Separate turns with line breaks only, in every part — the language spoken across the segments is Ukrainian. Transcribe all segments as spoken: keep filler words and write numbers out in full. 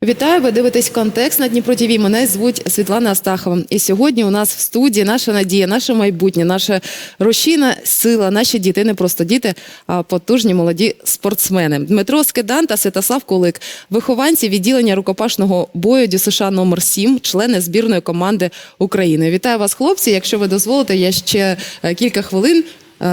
Вітаю, ви дивитесь «Контекст» на Дніпро ТВ. Мене звуть Світлана Астахова. І сьогодні у нас в студії наша надія, наше майбутнє, наша рушійна сила, наші діти, не просто діти, а потужні молоді спортсмени. Дмитро Скидан та Святослав Кулик – вихованці відділення рукопашного бою ДЮСШ номер сім, члени збірної команди України. Вітаю вас, хлопці. Якщо ви дозволите, я ще кілька хвилин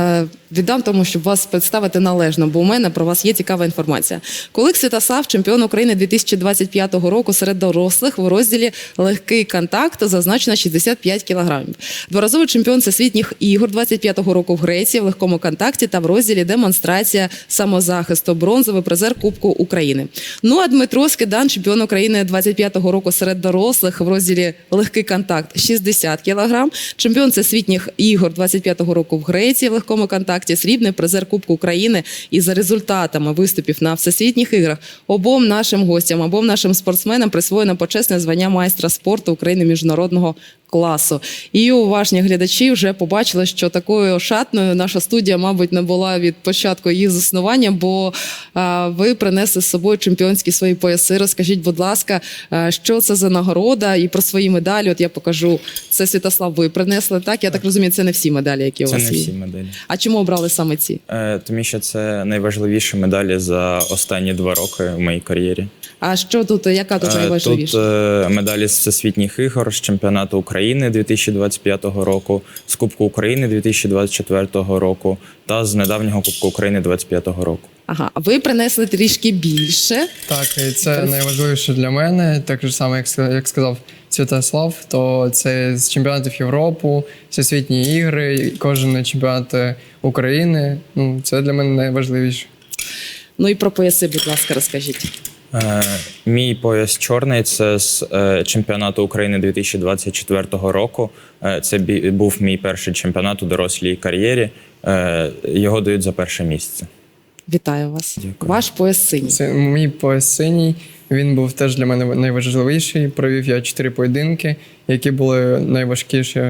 віддам тому, щоб вас представити належно, бо у мене про вас є цікава інформація. Кулик Святослав, чемпіон України дві тисячі двадцять п'ятого року серед дорослих в розділі легкий контакт, зазначено шістдесят п'ять кілограмів. Дворазовий чемпіон всесвітніх ігор двадцять п'ятого року в Греції в легкому контакті та в розділі демонстрація самозахисту, бронзовий призер Кубку України. Ну а Дмитро Скидан, чемпіон України двадцять п'ятого року серед дорослих в розділі легкий контакт шістдесят кілограм, чемпіон всесвітніх ігор двадцять п'ятого року в Греції в легкому контакті, срібний призер Кубку України. І за результатами виступів на всесвітніх іграх обом нашим гостям, обом нашим спортсменам присвоєно почесне звання майстра спорту України міжнародного класу. І уважні глядачі вже побачили, що такою шатною наша студія, мабуть, не була від початку її заснування, бо а, ви принесли з собою чемпіонські свої пояси. Розкажіть, будь ласка, а, що це за нагорода і про свої медалі. От я покажу. Це, Святослав, ви принесли, так? Я так розумію, це не всі медалі, які у вас є.
Це не всі медалі.
А чому обрали саме ці?
Е, тому що це найважливіші медалі за останні два роки в моїй кар'єрі.
А що тут, яка тут найважливіша?
Тут е, медалі з всесвітніх ігор, з чемпіонату України дві тисячі двадцять п'ятого року, з Кубку України дві тисячі двадцять четвертого року та з недавнього Кубку України двадцять п'ятого року.
Ага, а ви принесли трішки більше.
Так, і це найважливіше для мене, так же саме, як, як сказав Святослав, то це з чемпіонатів Європи, всесвітні ігри, кожен чемпіонат України. Ну, це для мене найважливіше.
Ну і про пояси, будь ласка, розкажіть.
Е, мій пояс чорний – це з е, чемпіонату України дві тисячі двадцять четвертого року. Е, це бі, був мій перший чемпіонат у дорослій кар'єрі. Е, його дають за перше місце.
Вітаю вас.
Дякую.
Ваш пояс синій.
Це мій пояс синій. Він був теж для мене найважливіший. Провів я чотири поєдинки, які були найважкіші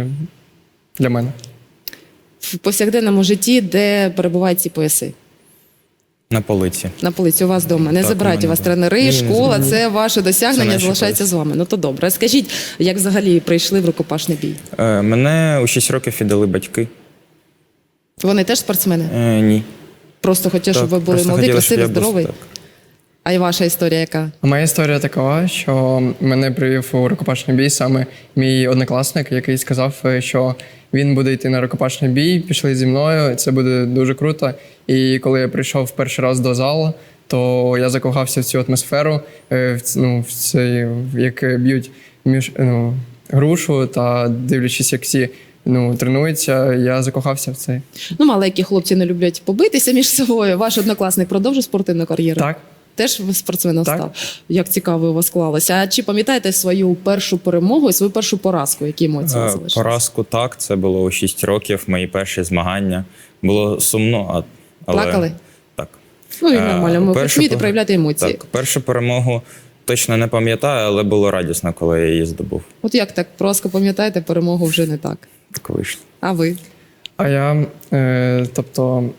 для мене.
В повсякденному житті, де перебувають ці пояси?
На полиці.
На полиці у вас вдома. Не
Так,
забирають
у
у вас
мене
тренери,
ні,
школа,
ні, ні.
це ваше досягнення,
Це
залишається
наші
з вами. Ну то добре. Скажіть, як взагалі прийшли в рукопашний бій?
Е, мене у шість років віддали батьки.
Вони теж спортсмени?
Е, ні.
Просто хотіли, щоб ви
Так,
були
просто
молоді,
хотіли, щоб
красиві,
я був,
здорові?
так.
А й ваша історія яка?
А моя історія така, що мене привів у рукопашний бій саме мій однокласник, який сказав, що він буде йти на рукопашний бій, пішли зі мною, це буде дуже круто. І коли я прийшов перший раз до залу, то я закохався в цю атмосферу, в, ну, в цей, як б'ють між, ну, грушу та дивлячись, як всі ну, тренуються, я закохався в це.
Ну, маленькі хлопці не люблять побитися між собою. Ваш однокласник продовжив спортивну кар'єру?
Так.
Теж спортсменом
Так.
став? Як цікаво у вас склалося. А чи пам'ятаєте свою першу перемогу і свою першу поразку? Які емоції у вас
Е,
залишились?
Поразку так, це було у шість років, мої перші змагання. Було сумно, а, але...
Плакали?
Так.
Ну, і
Е,
нормально. Ми
першу
вмієте
пер-
проявляти емоції.
Так, першу перемогу точно не пам'ятаю, але було радісно, коли я її здобув.
От як так? Поразку пам'ятаєте, перемогу вже не так.
Так вийшло.
А ви?
А я, е, тобто,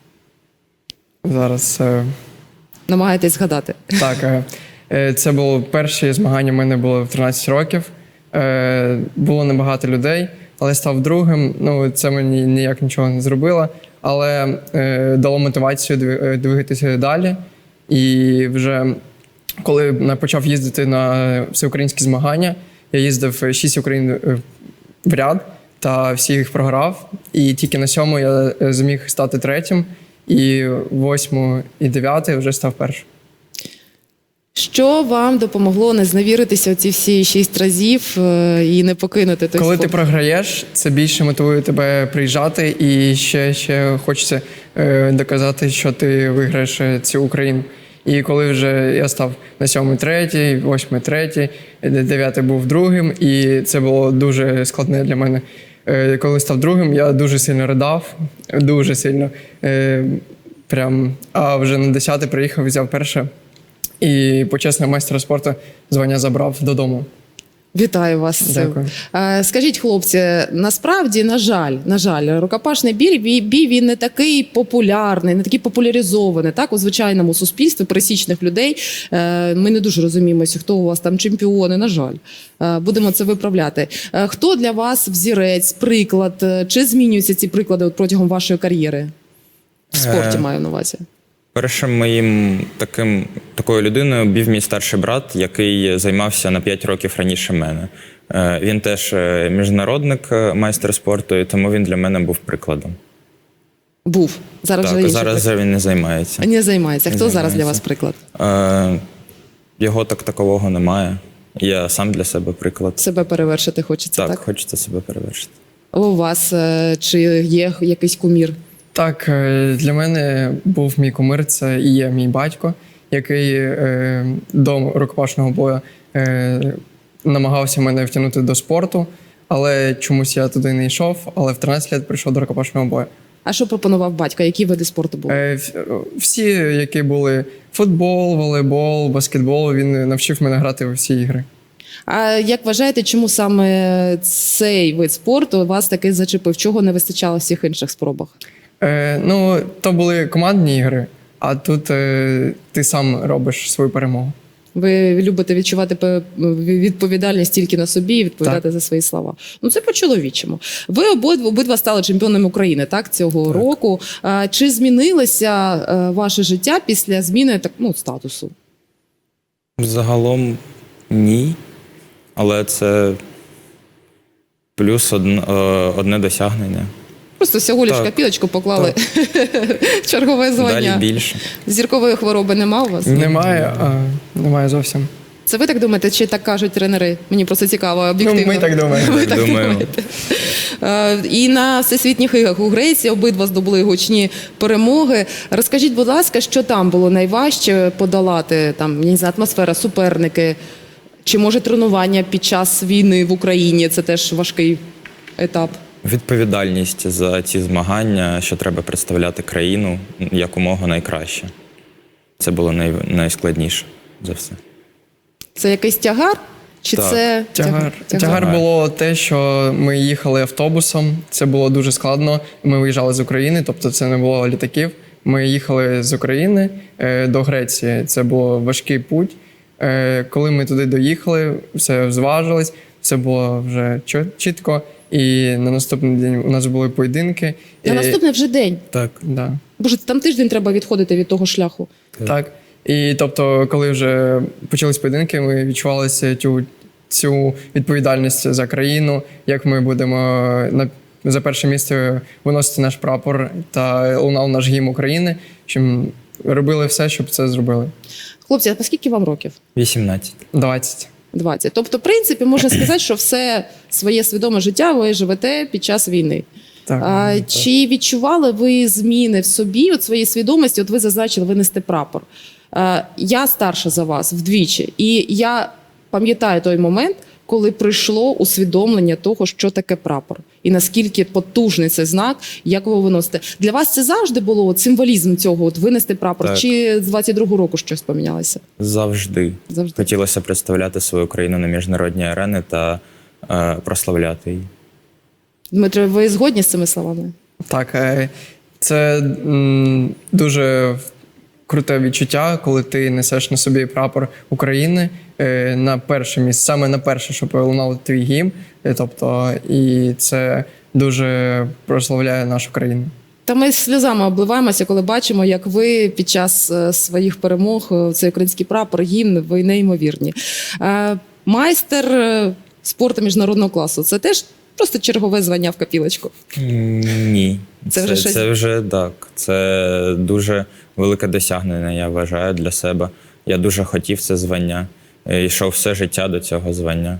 зараз... Е,
Намагаєтесь згадати?
Так, е, е, це було перші змагання в мене було в тринадцять років. Е, Було небагато людей, але став другим. Ну, це мені ніяк нічого не зробило, але е, дало мотивацію дві- двигатися далі. І вже коли я почав їздити на всеукраїнські змагання, я їздив шість Україн е, в ряд та всі їх програв. І тільки на сьому я е, зміг стати третім. І восьму і дев'ятий вже став першим.
Що вам допомогло не зневіритися оці всі шість разів е, і не покинути той
Коли ти
спорт?
програєш, це більше мотивує тебе приїжджати і ще, ще хочеться е, доказати, що ти виграєш е, цю Україну. І коли вже я став на сьомий третій, восьмий третій, дев'ятий був другим, і це було дуже складне для мене. Е, коли став другим, я дуже сильно ридав, дуже сильно. Е, прям, а вже на десятий приїхав, взяв перше. І почесного майстра спорту звання забрав додому.
Вітаю вас з цим.
Дякую.
Е, Скажіть, хлопці, насправді, на жаль, на жаль, рукопашний бій, бій, бій він не такий популярний, не такий популяризований, так, у звичайному суспільстві пересічних людей. Е, Ми не дуже розуміємося, хто у вас там чемпіони, на жаль. Е, Будемо це виправляти. Е, Хто для вас взірець, приклад? Е, Чи змінюються ці приклади от протягом вашої кар'єри? В спорті
Е,
маю на увазі.
Першим моїм таким такою людиною був мій старший брат, який займався на п'ять років раніше мене. Е, Він теж е, міжнародник, е, майстер спорту, і тому він для мене був прикладом.
Був. Зараз вже
Так,
інший
зараз
приклад.
вже він не займається.
Не займається. Хто
Не
зараз для
займається.
вас приклад?
Е, Його так такового немає. Я сам для себе приклад.
Себе перевершити хочеться,
Так,
так?
хочеться себе перевершити.
А у вас е, чи є якийсь кумір?
Так, е, для мене був мій кумир, це і є мій батько, який е, до рукопашного бою е, намагався мене втягнути до спорту, але чомусь я туди не йшов, але в тринадцять років прийшов до рукопашного бою.
А що пропонував батько? Які види спорту були?
Е, в- Всі, які були футбол, волейбол, баскетбол, він навчив мене грати у всі ігри.
А як вважаєте, чому саме цей вид спорту вас таки зачепив? Чого не вистачало в всіх інших спробах?
Е, ну, то були командні ігри, а тут е, ти сам робиш свою перемогу.
Ви любите відчувати пе- відповідальність тільки на собі і відповідати
Так.
за свої слова. Ну це по-чоловічому. Ви обидва, обидва стали чемпіонами України, так, цього року. А, чи змінилося е, ваше життя після зміни так, ну, статусу?
Загалом ні. Але це плюс одне, одне досягнення.
Просто всього лиш
Так.
копілочку поклали чергове звання.
Далі більше.
Зіркової хвороби нема у вас?
Немає, а, немає зовсім.
Це ви так думаєте, чи так кажуть тренери? Мені просто цікаво,
Ну,
об'єктивно.
ми так думаємо.
Ви
Так
так
думаємо.
думаєте. Е, І на всесвітніх іграх у Греції обидва здобули гучні перемоги. Розкажіть, будь ласка, що там було найважче подолати? Там, я не знаю, атмосфера, суперники, чи може тренування під час війни в Україні? Це теж важкий етап.
Відповідальність за ці змагання, що треба представляти країну якомога найкраще. Це було най, найскладніше за все.
Це якийсь тягар? Чи
Так.
це
Тягар. Тягар було те, що ми їхали автобусом. Це було дуже складно. Ми виїжджали з України, тобто це не було літаків. Ми їхали з України е, до Греції. Це був важкий путь. Е, коли ми туди доїхали, все зважилось, все було вже чо- чітко. І на наступний день у нас були поєдинки.
На
І-
наступний вже день.
Так.
Да.
Боже, там тиждень треба відходити від того шляху.
Так. І тобто, коли вже почались поєдинки, ми відчували цю, цю відповідальність за країну, як ми будемо на за перше місце виносити наш прапор та лунав наш гімн України, що робили все, щоб це зробили.
Хлопці, а по скільки вам років?
вісімнадцять.
двадцять.
двадцять. Тобто, в принципі, можна сказати, що все своє свідоме життя ви живете під час війни.
Так.
А, чи відчували ви зміни в собі, от своїй свідомості? От ви зазначили винести прапор. А, я старша за вас вдвічі, і я пам'ятаю той момент, коли прийшло усвідомлення того, що таке прапор, і наскільки потужний це знак, як ви його виносите. Для вас це завжди було от, символізм цього, от винести прапор,
Так.
чи з двадцять другого року щось помінялося?
Завжди.
Завжди.
Хотілося представляти свою країну на міжнародній арені та е, прославляти її.
Дмитро, ви згодні з цими словами?
Так, е, це м, дуже круте відчуття, коли ти несеш на собі прапор України е, на перше місце, саме на перше, щоб лунав твій гімн. Е, Тобто, і це дуже прославляє нашу країну.
Та ми сльозами обливаємося, коли бачимо, як ви під час е, своїх перемог, е, цей український прапор, гімн, ви неймовірні. Е, Майстер е, спорту міжнародного класу – це теж просто чергове звання в копілочку.
М, Ні.
Це вже щось-
це вже так. Це дуже велике досягнення, я вважаю, для себе. Я дуже хотів це звання. Е, Йшов все життя до цього звання.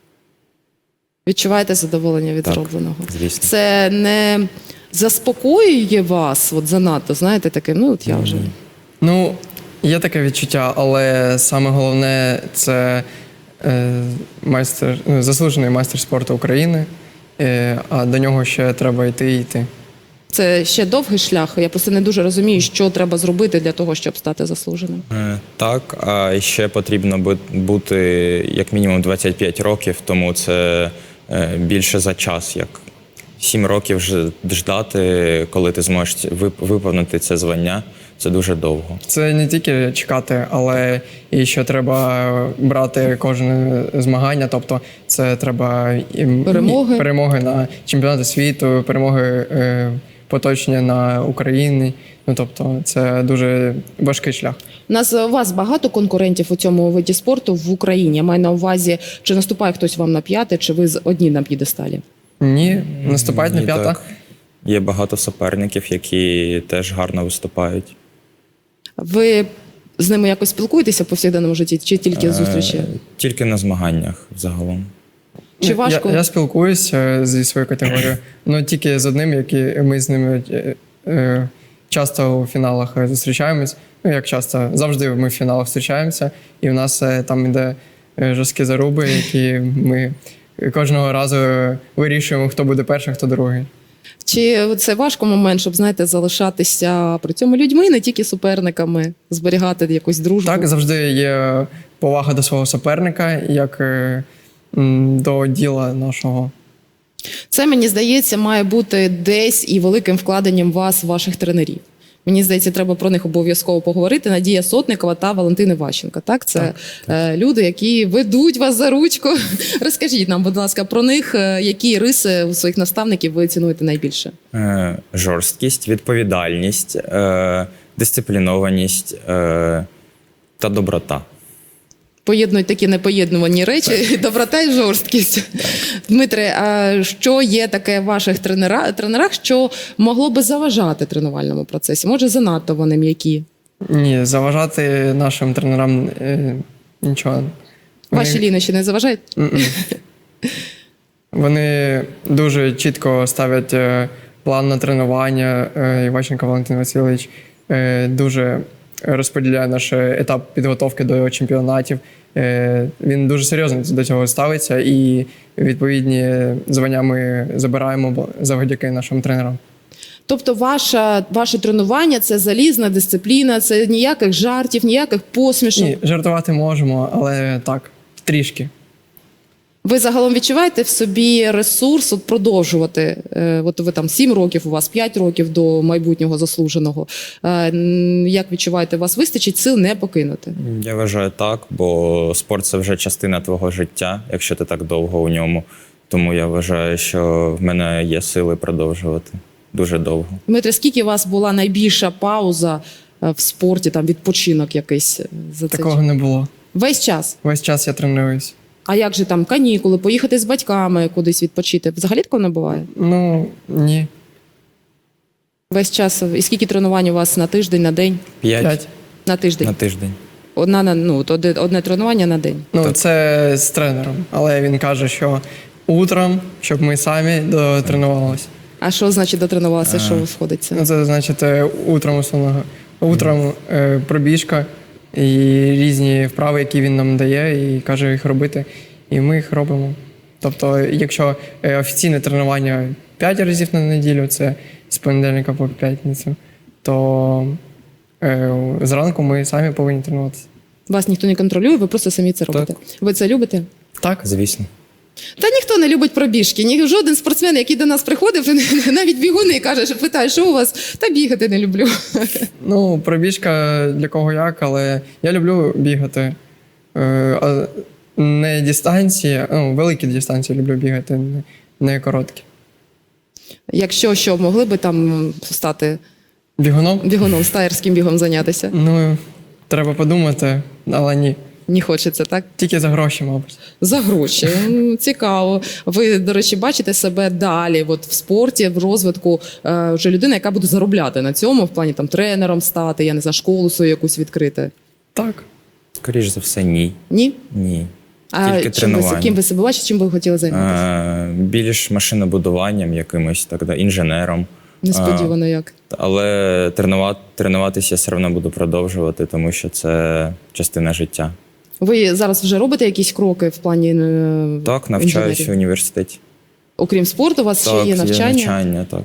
Відчуваєте задоволення від
Так,
зробленого?
звісно.
Це не заспокоює вас от занадто, знаєте, таке, ну от я вже.
Ну, є таке відчуття, але саме головне це е, майстер, ну, заслужений майстер спорту України, е, а до нього ще треба йти і йти.
Це ще довгий шлях. Я просто не дуже розумію, що треба зробити для того, щоб стати заслуженим.
Е, Так, а ще потрібно бу- бути як мінімум двадцять п'ять років, тому це е, більше за час, як сім років ж- ждати, коли ти зможеш вип- виповнити це звання. Це дуже довго.
Це не тільки чекати, але і що треба брати кожне змагання. Тобто, це треба і
Перемоги.
перемоги на чемпіонати світу, перемоги е, поточні на Україні. Ну тобто, це дуже важкий шлях.
У нас у вас багато конкурентів у цьому виді спорту в Україні. Я маю на увазі, чи наступає хтось вам на п'яте, чи ви з- одні на п'єдесталі?
Ні, наступають на
Ні,
п'ята.
так. Є багато суперників, які теж гарно виступають.
Ви з ними якось спілкуєтеся в повсякденному житті, чи тільки зустрічі?
Е, Тільки на змаганнях загалом.
Чи важко?
Я, я спілкуюся зі своєю категорією, ну тільки з одним, який ми з ними е, е, часто у фіналах е, зустрічаємось. Ну як часто, завжди ми в фіналах зустрічаємося, і в нас е, там іде е, жорсткі заруби, які ми кожного разу е, вирішуємо, хто буде перший, хто другий.
Чи це важко момент, щоб, знаєте, залишатися при цьому людьми, не тільки суперниками, зберігати якусь дружбу?
Так, завжди є повага до свого суперника, як е, м, до діла нашого.
Це, мені здається, має бути десь і великим вкладенням вас, ваших тренерів. Мені здається, треба про них обов'язково поговорити. Надія Сотникова та Валентина Ващенко. Так, це
Так,
е, люди, які ведуть вас за ручку. Розкажіть нам, будь ласка, про них, е, які риси у своїх наставників ви цінуєте найбільше?
Е, Жорсткість, відповідальність, е, дисциплінованість е, та доброта.
Поєднують такі непоєднувані речі, доброта і жорсткість. Дмитре, а що є таке в ваших тренера, тренерах, що могло би заважати тренувальному процесі? Може, занадто вони м'які?
Ні, заважати нашим тренерам е, нічого.
Ваші лінощі не заважають?
М-м. Вони дуже чітко ставлять е, план на тренування. Е, Іващенко Валентин Васильович е, дуже розподіляє наш етап підготовки до чемпіонатів. Е, Він дуже серйозно до цього ставиться, і відповідні звання ми забираємо бо- завдяки нашим тренерам.
Тобто ваша, ваше тренування – це залізна дисципліна, це ніяких жартів, ніяких посмішок.
Ні, жартувати можемо, але так, трішки.
Ви загалом відчуваєте в собі ресурс от продовжувати? Е, От ви там сім років, у вас п'ять років до майбутнього заслуженого. Е, н- Як відчуваєте, у вас вистачить сил не покинути?
Я вважаю так, бо спорт це вже частина твого життя, якщо ти так довго у ньому. Тому я вважаю, що в мене є сили продовжувати дуже довго.
Дмитре, скільки у вас була найбільша пауза е, в спорті, там відпочинок якийсь е, за цей
Такого
час?
не було.
Весь час?
Весь час я тренуюсь.
А як же там канікули, поїхати з батьками кудись відпочити? Взагалі такого не буває?
Ну, ні.
Весь час. І скільки тренувань у вас на тиждень, на день?
П'ять,
П'ять.
На тиждень.
на тиждень.
Одна на ну, от одне, одне тренування на день.
Ну, це з тренером. Але він каже, що утром, щоб ми самі дотренувалися.
А що значить дотренувалися? Що
А.
входить це?
Ну, це значить е, утром основного. Утром е, пробіжка і різні вправи, які він нам дає, і каже їх робити. І ми їх робимо. Тобто, якщо е, офіційне тренування п'ять разів на неділю, це з понедільника по п'ятницю, то е, зранку ми самі повинні тренуватися.
Вас ніхто не контролює, ви просто самі це робите. Ви це любите?
Так?
Звісно.
Та ніхто не любить пробіжки. Ні, жоден спортсмен, який до нас приходив, навіть бігуни каже, що питає, що у вас? Та бігати не люблю.
Ну, пробіжка для кого як, але я люблю бігати. Е, а не дистанції, ну, великі дистанції люблю бігати, не, не короткі.
Якщо що, могли би там стати
Бігуном?
бігуном, стаєрським бігом зайнятися?
Ну, треба подумати, але ні.
Не хочеться, так?
Тільки за гроші, мабуть.
За гроші. М, Цікаво. Ви, до речі, бачите себе далі, от в спорті, в розвитку, е, вже людина, яка буде заробляти на цьому, в плані там тренером стати, я не знаю, школу свою якусь відкрити.
Так.
Скоріш за все, ні.
Ні?
Ні.
А
Тільки
чим ви,
тренування.
ким ви себе бачите, чим ви хотіли займатися?
Е, Більш машинобудуванням якимось, так, да, інженером.
Несподівано як.
Але тренувати, тренуватися я все одно буду продовжувати, тому що це частина життя.
Ви зараз вже робите якісь кроки в плані е,
Так, навчаюся в
інженерії?
університеті.
Окрім спорту, у вас
Так,
ще є навчання?
навчання, так.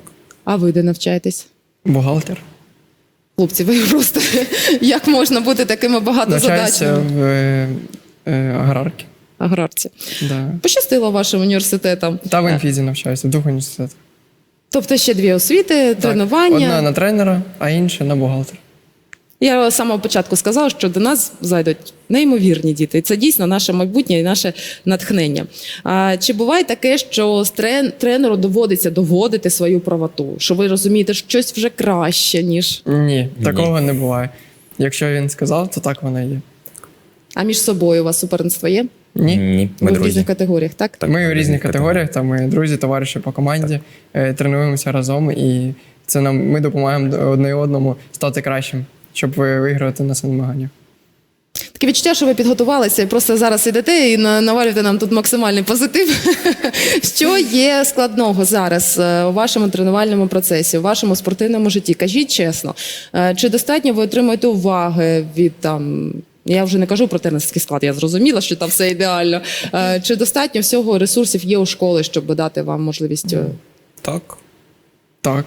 А ви де навчаєтесь?
Бухгалтер.
Хлопці, ви просто як можна бути такими
Навчаюся
багатозадачними
в е, е, аграрці.
аграрці?
Да.
Пощастило вашим університетам.
Та в інфізі навчаюся, в двох університетах.
Тобто ще дві освіти,
Так,
тренування.
одна на тренера, а інша на бухгалтера.
Я з самого початку сказала, що до нас зайдуть неймовірні діти. І це дійсно наше майбутнє і наше натхнення. А чи буває таке, що з трен- тренеру доводиться доводити свою правоту? Що ви розумієте, що щось вже краще, ніж.
Ні, такого не буває. Якщо він сказав, то так воно і є.
А між собою у вас суперництво є?
Ні.
Ні,
Ви
ми
в
друзі.
різних категоріях, так?
Так,
Ми в різних
різних
категоріях, там ми друзі, товариші по команді, е, тренуємося разом, і це нам ми допомагаємо одне одному стати кращим, щоб ви виграти на змаганнях.
Таке відчуття, що ви підготувалися і просто зараз ідете і на- навалюєте нам тут максимальний позитив. Що є складного зараз е, у вашому тренувальному процесі, у вашому спортивному житті? Кажіть чесно, е, чи достатньо ви отримуєте уваги від там. Я вже не кажу про тренерський склад, я зрозуміла, що там все ідеально. Е, Чи достатньо всього ресурсів є у школи, щоб дати вам можливість? е,
Так.
Так.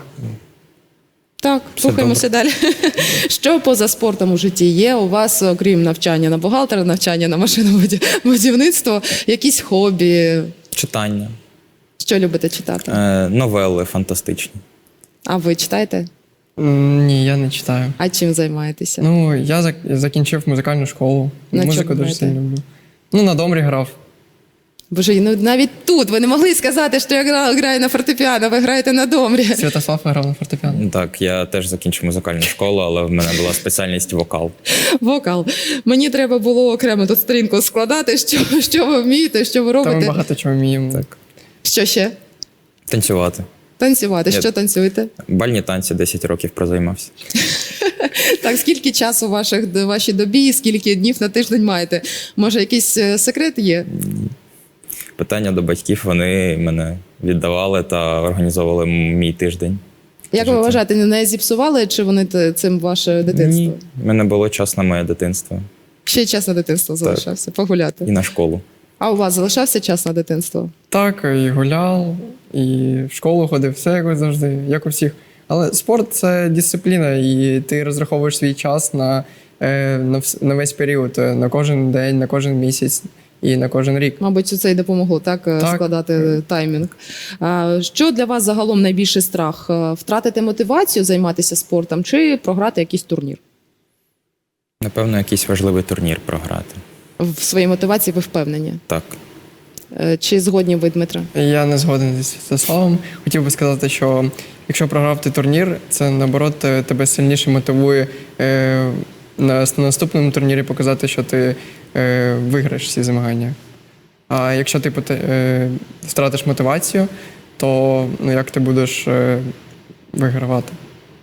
Так,
Все
слухаємося далі. Що поза спортом у житті є у вас, окрім навчання на бухгалтера, навчання на машинобудівництво, якісь хобі?
Читання.
Що любите читати?
Е, новели фантастичні.
А ви читаєте?
М, Ні, я не читаю.
А чим займаєтеся?
Ну, я зак- закінчив музикальну школу.
На
Музику
чому
дуже
граєте?
сильно люблю. Ну, на домрі грав.
Боже, ну навіть тут ви не могли сказати, що я гра- граю на фортепіано, ви граєте на домрі.
Святослав грав на фортепіано.
Так, я теж закінчив музикальну школу, але в мене була спеціальність вокал.
Вокал. Мені треба було окремо тут сторінку складати, що, що ви вмієте, що ви
Та ми
робите.
багато чого вміємо.
Так.
Що ще?
Танцювати.
Танцювати.
Я-
Що танцюєте?
Бальні танці десять років прозаймався.
Так, скільки часу в ваших, вашій добі, скільки днів на тиждень маєте? Може, якийсь е, секрет є?
Питання до батьків, вони мене віддавали та організовували мій тиждень.
Як ви
Життя.
вважаєте, не зіпсували, чи вони те- цим ваше дитинство?
Ні, в мене було час на моє дитинство
Ще час на дитинство залишався, погуляти.
і на школу.
А у вас залишався час на дитинство?
Так, і гуляв, і в школу ходив, все як завжди, як у всіх. Але спорт це дисципліна, і ти розраховуєш свій час на, е, на, вс- на весь період, е, на кожен день, на кожен місяць і на кожен рік.
Мабуть, це й допомогло так, е,
Так.
складати таймінг. А, що для вас загалом найбільший страх? Е, Втратити мотивацію займатися спортом чи програти якийсь турнір?
Напевно, якийсь важливий турнір програти.
В своїй мотивації ви впевнені?
Так.
Е, Чи згодні ви, Дмитро?
Я не згоден зі Святославом. Хотів би сказати, що якщо програв ти турнір, це наоборот е, тебе сильніше мотивує е, на с- на наступному турнірі показати, що ти е, виграєш всі змагання. А якщо ти поте- е, втратиш мотивацію, то ну, як ти будеш е, вигравати?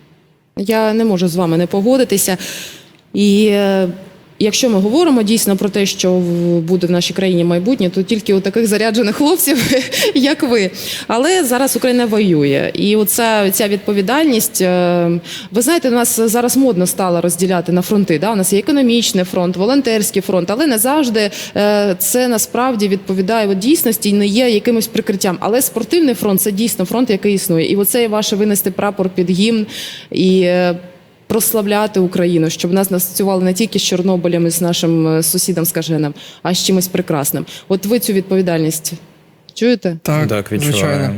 Я не можу з вами не погодитися. І е, якщо ми говоримо дійсно про те, що в- буде в нашій країні майбутнє, то тільки у таких заряджених хлопців, як ви. Але зараз Україна воює. І оця ця відповідальність, е, ви знаєте, у нас зараз модно стало розділяти на фронти. Да? У нас є економічний фронт, волонтерський фронт, але не завжди е, це насправді відповідає от дійсності і не є якимось прикриттям. Але спортивний фронт це дійсно фронт, який існує. І оце ваше винести прапор під гімн і е, прославляти Україну, щоб нас асоціювали не тільки з Чорнобилем і з нашим е, сусідом скаженим, а з чимось прекрасним. От ви цю відповідальність чуєте?
Так,
Так,
звичайно.
відчуваємо.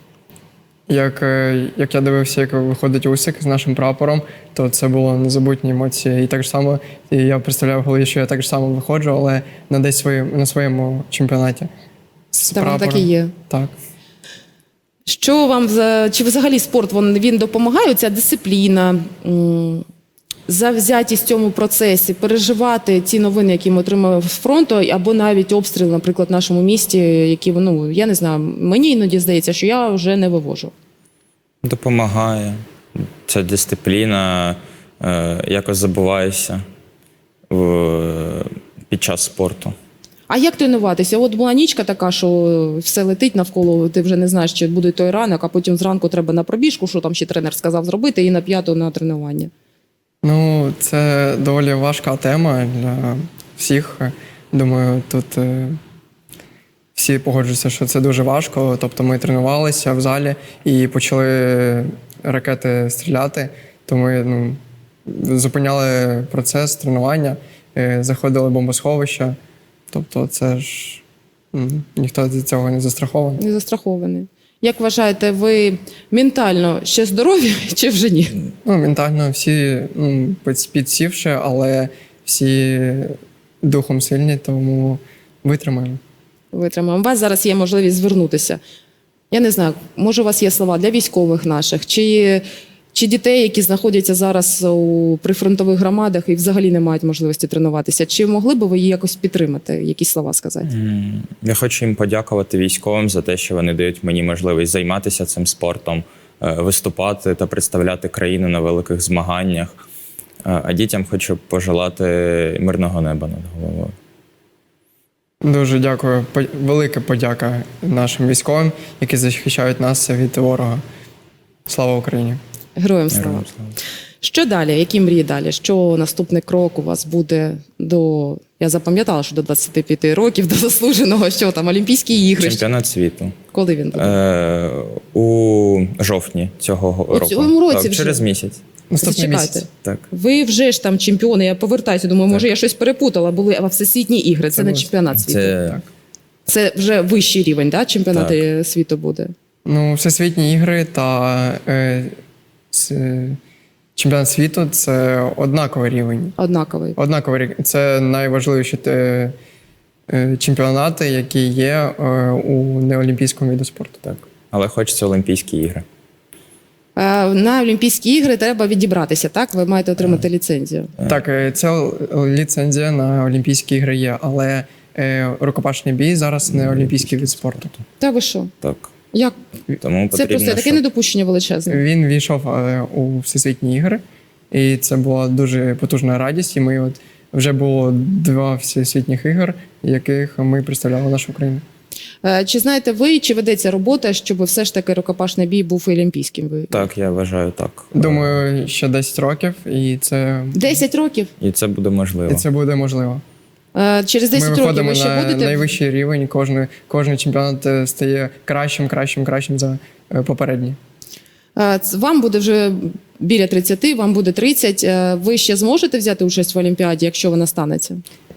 Як, е, як я дивився, як виходить Усик з нашим прапором, то це було незабутні емоції. І так само і я представляв в голові, що я так ж само виходжу, але на десь своє, на своєму чемпіонаті. З
Та воно так і
прапором.
є.
Так.
Що вам за- чи взагалі спорт він, він допомагає? Ця дисципліна, м, завзятість в цьому процесі, переживати ті новини, які ми отримали з фронту, або навіть обстріл, наприклад, в нашому місті, які ну я не знаю, мені іноді здається, що я вже не вивожу.
Допомагає. Ця дисципліна, е, якось забуваєшся в, під час спорту.
А як тренуватися? От була нічка така, що все летить навколо, ти вже не знаєш, чи буде той ранок, а потім зранку треба на пробіжку, що там ще тренер сказав зробити, і на п'яту на тренування.
Ну, це доволі важка тема для всіх. Думаю, тут е, всі погоджуються, що це дуже важко. Тобто ми тренувалися в залі і почали ракети стріляти, то ми ну, зупиняли процес тренування, е, заходили в бомбосховища. Тобто це ж м, ніхто від цього не застрахований.
Не застрахований. Як вважаєте, ви ментально ще здорові чи вже ні?
Ну, ментально всі ну, під- підсівши, але всі духом сильні, тому витримаємо.
Витримаємо. У вас зараз є можливість звернутися. Я не знаю, може у вас є слова для військових наших, чи, чи дітей, які знаходяться зараз у прифронтових громадах і взагалі не мають можливості тренуватися. Чи могли б ви її якось підтримати, якісь слова сказати?
М, Я хочу їм подякувати військовим за те, що вони дають мені можливість займатися цим спортом, е, виступати та представляти країну на великих змаганнях. Е, А дітям хочу пожелати мирного неба над головою.
Дуже дякую. По- Велика подяка нашим військовим, які захищають нас від ворога. Слава Україні!
Героям слава.
Героям слава.
Що далі? Які мрії далі? Що наступний крок у вас буде до. Я запам'ятала, що до двадцяти п'яти років, до заслуженого, що там, Олімпійські ігри.
Чемпіонат світу.
Коли він буде?
Е, у жовтні цього го-
У
року.
цьому році
Так,
вже?
через місяць.
Наступний
Зачекайте.
місяць.
Так.
Ви вже ж там чемпіони, я повертаюся, думаю, може я щось перепутала, були а всесвітні ігри, це,
Це
не
було-
чемпіонат світу. Це,
Це
це вже вищий рівень, да? Чемпіонат світу буде.
Ну, всесвітні ігри та е, с- чемпіонат світу це однаковий рівень.
Однаковий.
Однаковий рівень. Це найважливіші е, е, чемпіонати, які є е, у неолімпійському виду спорту.
так. Але хочеться Олімпійські ігри.
Е, На Олімпійські ігри треба відібратися, так? Ви маєте отримати ліцензію.
Так, е, це ліцензія на Олімпійські ігри є, але е, рукопашний бій зараз не олімпійський вид спорту.
Та ви що?
Так.
Як?
Тому
Це
потрібно,
просто таке
щоб-
недопущення величезне.
Він війшов е, у всесвітні ігри, і це була дуже потужна радість. І ми от вже було два всесвітніх ігор, яких ми представляли нашу країну.
Е, Чи знаєте ви, чи ведеться робота, щоб все ж таки рукопашний бій був і олімпійським? Ви-
Так, я вважаю так.
Думаю, ще десять років, і це,
десять років?
І це буде можливо.
і це буде можливо.
Е, Через
Ми
десять років
виходимо
ви ще
на
будете?
найвищий рівень. Кожний, кожний чемпіонат е, стає кращим, кращим, кращим за е, попередній.
Е, ц- Вам буде вже біля тридцяти, вам буде тридцять. Е, Ви ще зможете взяти участь в Олімпіаді, якщо вона станеться?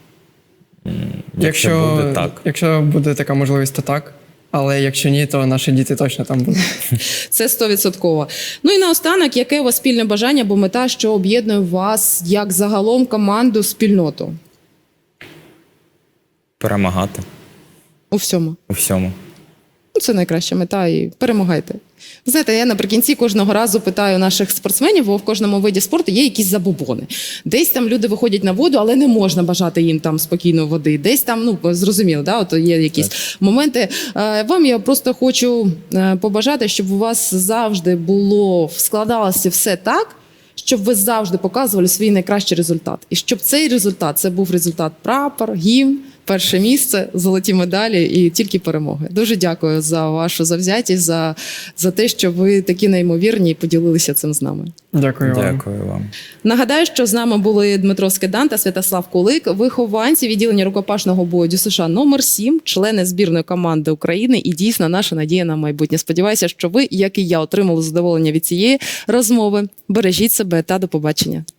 Якщо буде так.
якщо буде така можливість, то так. Але якщо ні, то наші діти точно там будуть.
Це стовідсотково. Ну і наостанок, яке у вас спільне бажання або мета, що об'єднує вас як загалом команду, спільноту
Перемагати
у всьому?
у всьому.
Ну, це найкраща мета і перемагайте. Ви знаєте, я наприкінці кожного разу питаю наших спортсменів, бо в кожному виді спорту є якісь забобони. Десь там люди виходять на воду, але не можна бажати їм там спокійної води. Десь там, ну, зрозуміло, да, от є якісь
Так.
моменти. Е, Вам я просто хочу е, побажати, щоб у вас завжди було, складалося все так, щоб ви завжди показували свій найкращий результат. І щоб цей результат, це був результат прапор, гімн, перше місце, золоті медалі і тільки перемоги. Дуже дякую за вашу завзятість, за, за те, що ви такі неймовірні і поділилися цим з нами.
Дякую вам.
Дякую вам.
Нагадаю, що з нами були Дмитро Скидан та Святослав Кулик, вихованці відділення рукопашного бою ДЮСШ номер сім, члени збірної команди України і дійсно наша надія на майбутнє. Сподіваюся, що ви, як і я, отримали задоволення від цієї розмови. Бережіть себе та до побачення.